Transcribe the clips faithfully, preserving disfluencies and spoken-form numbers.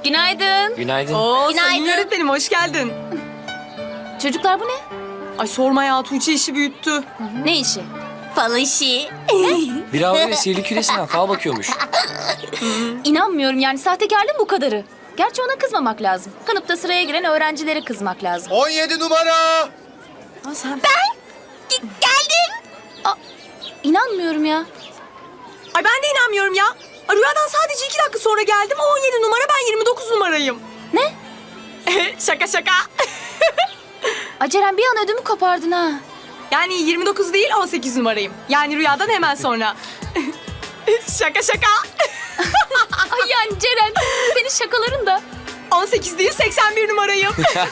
Günaydın. Günaydın. Oo, Günaydın. Sayın öğretmenim hoş geldin. Çocuklar bu ne? Ay sorma ya, Tuğçe işi büyüttü. Ne işi? Fal işi. Bir avlu ve sihirli küresinden fal bakıyormuş. İnanmıyorum yani sahtekarlığın bu kadarı. Gerçi ona kızmamak lazım. Kanıpta sıraya giren öğrencilere kızmak lazım. on yedi numara. Aa, sen... Ge- Geldim. İnanmıyorum ya. Ay ben de inanmıyorum ya. Ay, rüyadan sadece iki dakika sonra geldim. O on yedi numara, ben yirmi dokuz numarayım. Ne? Şaka şaka. Aceren bir an ödümü kopardın ha. Yani yirmi dokuz değil, on sekiz numarayım. Yani rüyadan hemen sonra. Şaka şaka. Ay yani Ceren senin şakaların da. on sekiz değil, seksen bir numarayım.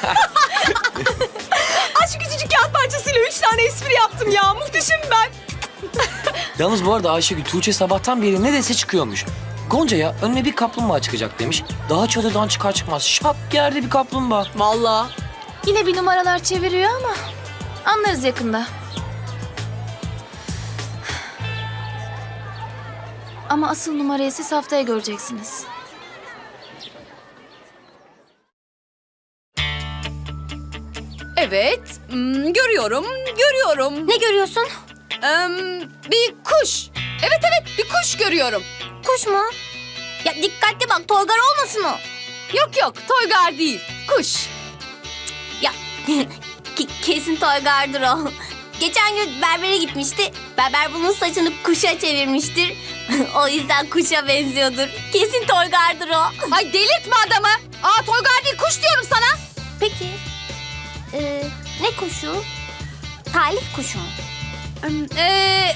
Ay şu küçücük kağıt parçasıyla üç tane espri yaptım ya. Muhteşemim ben. Yalnız bu arada Ayşegül, Tuğçe sabahtan beri ne dese çıkıyormuş. Gonca'ya önüne bir kaplumbağa çıkacak demiş. Daha çadırdan çıkar çıkmaz şap yerde bir kaplumbağa. Vallahi. Yine bir numaralar çeviriyor ama anlarız yakında. Ama asıl numarayı siz haftaya göreceksiniz. Evet, hmm, görüyorum, görüyorum. Ne görüyorsun? Ee, bir kuş. Evet evet, bir kuş görüyorum. Kuş mu? Ya dikkatli bak, toygar olmasın o. Yok yok, toygar değil, kuş. Ya ke- kesin toygardır o. Geçen gün berbere gitmişti. Berber bunun saçını kuşa çevirmiştir. O yüzden kuşa benziyordur. Kesin toygardır o. Ay delirtme adamı. Aa toygar değil, kuş diyorum sana. Peki. Ee, ne kuşu? Talih kuşu mu? Ee,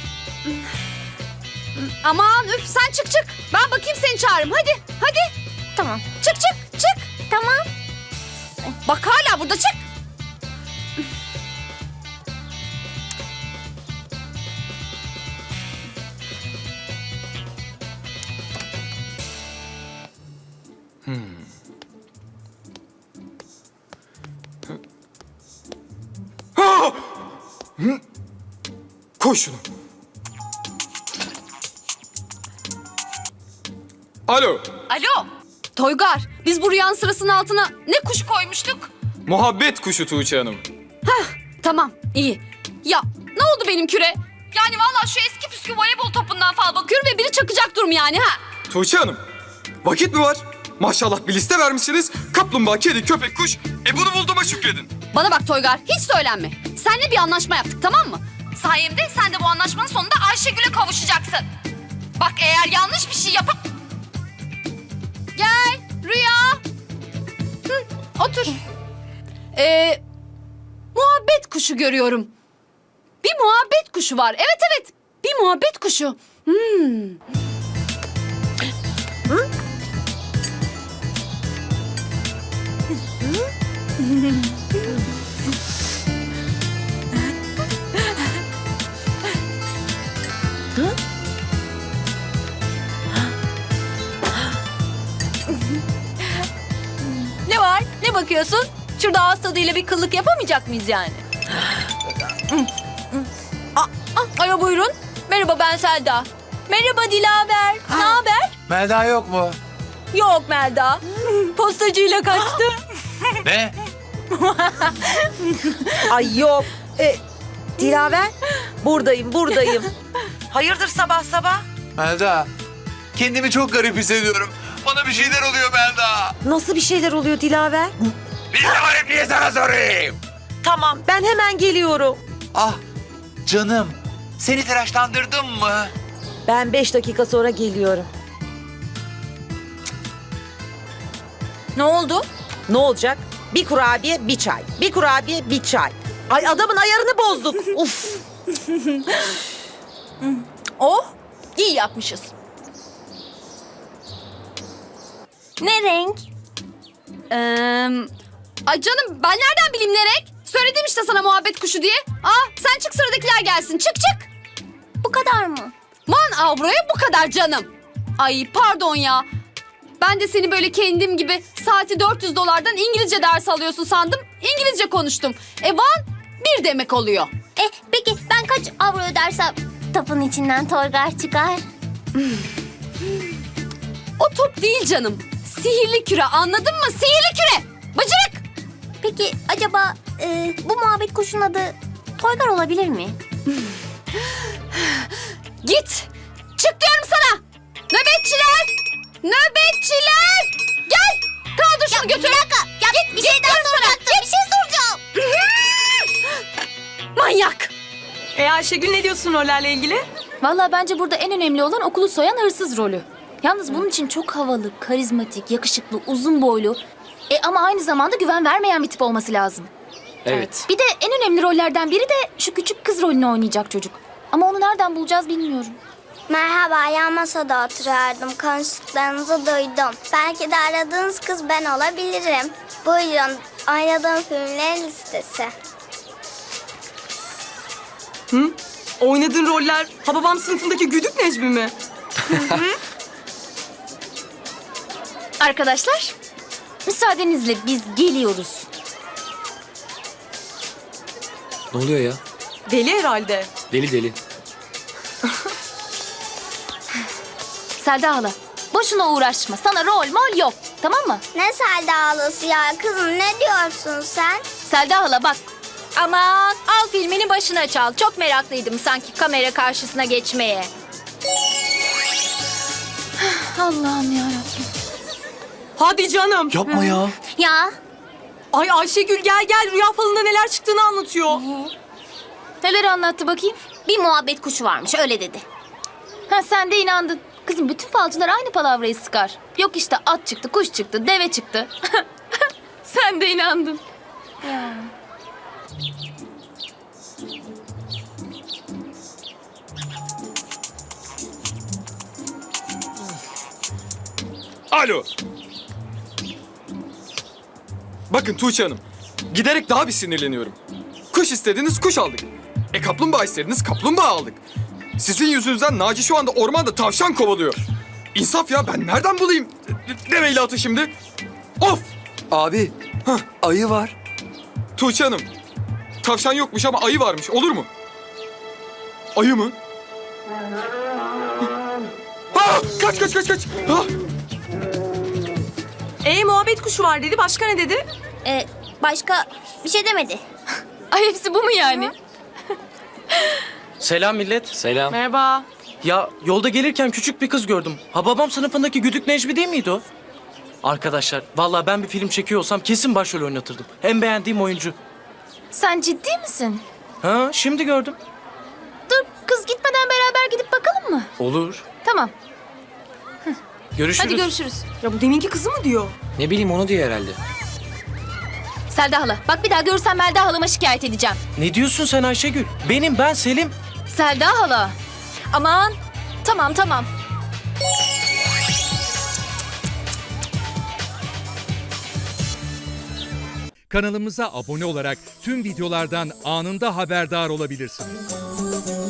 aman üf, sen çık çık. Ben bakayım seni çağırırım, hadi, hadi. Tamam. Çık çık, çık. Tamam. Bak hala burada, çık. Koy şunu. Alo. Alo. Toygar, biz bu rüyanın sırasının altına ne kuş koymuştuk? Muhabbet kuşu Tuğçe Hanım. Tamam, iyi. Ya ne oldu benim küre? Yani vallahi şu eski püskü voleybol topundan fal bakıyorum ve biri çakacak durum yani ha. Tuğçe Hanım. Vakit mi var? Maşallah bir liste vermişsiniz. Kaplumbağa, kedi, köpek, kuş. E bunu bulduğuma şükredin. Bana bak Toygar, hiç söylenme. Seninle bir anlaşma yaptık, tamam mı? Sayemde sen de bu anlaşmanın sonunda Ayşegül'e kavuşacaksın. Bak eğer yanlış bir şey yapıp... Gel Rüya. Hı, otur. Ee, muhabbet kuşu görüyorum. Bir muhabbet kuşu var. Evet evet. Bir muhabbet kuşu. Hmm. Ne var? Ne bakıyorsun? Şurada ağız tadıyla bir kıllık yapamayacak mıyız yani? Aa, aa, alo buyurun. Merhaba, ben Selda. Merhaba Dilaver. Ne haber? Melda yok mu? Yok Melda. Postacıyla kaçtı. Ne? Ay yok. E, Dilaver, buradayım, buradayım. Hayırdır sabah sabah? Melda, kendimi çok garip hissediyorum. Bana bir şeyler oluyor Melda. Nasıl bir şeyler oluyor Dilaver? Bir de garipliği sana sorayım. Tamam, ben hemen geliyorum. Ah, canım. Seni telaşlandırdım mı? Ben beş dakika sonra geliyorum. Ne oldu? Ne olacak? Bir kurabiye, bir çay. Bir kurabiye, bir çay. Ay adamın ayarını bozduk. Uf. Oh, iyi yapmışız. Ne renk? Ee, ay canım ben nereden bileyim ne renk? Söyledim işte sana muhabbet kuşu diye. Aa sen çık, sıradakiler gelsin. Çık çık. Bu kadar mı? Man avroya bu kadar canım. Ay pardon ya. Ben de seni böyle kendim gibi saati dört yüz dolardan İngilizce ders alıyorsun sandım. İngilizce konuştum. E one bir demek oluyor. E peki ben kaç avro ödersem topun içinden toygar çıkar? O top değil canım. Sihirli küre, anladın mı? Sihirli küre. Bıcırık. Peki acaba e, bu muhabbet kuşun adı Toygar olabilir mi? Git. Çık diyorum sana. Nöbetçiler. Nöbetçiler. Gel. Kaldır şunu götür. Bir dakika. Ya bir şey daha soracaktım. Bir şey soracağım. Manyak. E Ayşegül ne diyorsun rollerle ilgili? Vallahi bence burada en önemli olan okulu soyan hırsız rolü. Yalnız bunun için çok havalı, karizmatik, yakışıklı, uzun boylu... E ama aynı zamanda güven vermeyen bir tip olması lazım. Evet. Bir de en önemli rollerden biri de şu küçük kız rolünü oynayacak çocuk. Ama onu nereden bulacağız bilmiyorum. Merhaba, yan masada oturuyordum. Konuştuklarınızı duydum. Belki de aradığınız kız ben olabilirim. Buyurun, oynadığım filmlerin listesi. Hı? Oynadığın roller Hababam sınıfındaki güdük Necmi mi? Arkadaşlar, müsaadenizle biz geliyoruz. Ne oluyor ya? Deli herhalde. Deli deli. Selda hala, boşuna uğraşma. Sana rol mol yok, tamam mı? Ne Selda ağlası ya kızım, ne diyorsun sen? Selda hala bak, Aman al filmini başına çal. Çok meraklıydım sanki kamera karşısına geçmeye. Allah'ım yarabbim. Hadi canım. Yapma ya. Ya Ay Ayşegül gel gel, rüya falında neler çıktığını anlatıyor. Neler anlattı bakayım? bir muhabbet kuşu varmış öyle dedi. Ha sen de inandın. Kızım bütün falcılar aynı palavrayı sıkar. Yok işte at çıktı, kuş çıktı, deve çıktı. Sen de inandın. Alo. Bakın Tuğçe Hanım, giderek daha bir sinirleniyorum. Kuş istediniz, kuş aldık. E kaplumbağa istediniz, kaplumbağa aldık. Sizin yüzünüzden Naci şu anda ormanda tavşan kovalıyor. İnsaf ya, ben nereden bulayım deveyle atı şimdi? Of! Abi, Hah. ayı var. Tuğçe Hanım, tavşan yokmuş ama ayı varmış, olur mu? Ayı mı? Ha! Kaç kaç kaç kaç! Ha! E muhabbet kuşu var dedi, başka ne dedi? E, başka bir şey demedi. Ay hepsi bu mu yani? Selam millet. Selam. Merhaba. Ya yolda gelirken küçük bir kız gördüm. Hababam sınıfındaki güdük Necmi değil miydi o? Arkadaşlar vallahi ben bir film çekiyor olsam kesin başrol oynatırdım. En beğendiğim oyuncu. Sen ciddi misin? Ha şimdi gördüm. Dur kız gitmeden beraber gidip bakalım mı? Olur. Tamam. Görüşürüz. Hadi görüşürüz. Ya bu deminki kızı mı diyor? Ne bileyim onu diyor herhalde. Selda hala bak bir daha görsem Melda halama şikayet edeceğim. Ne diyorsun sen Ayşegül? Benim ben Selim. Selda hala. Aman tamam tamam. Kanalımıza abone olarak tüm videolardan anında haberdar olabilirsiniz.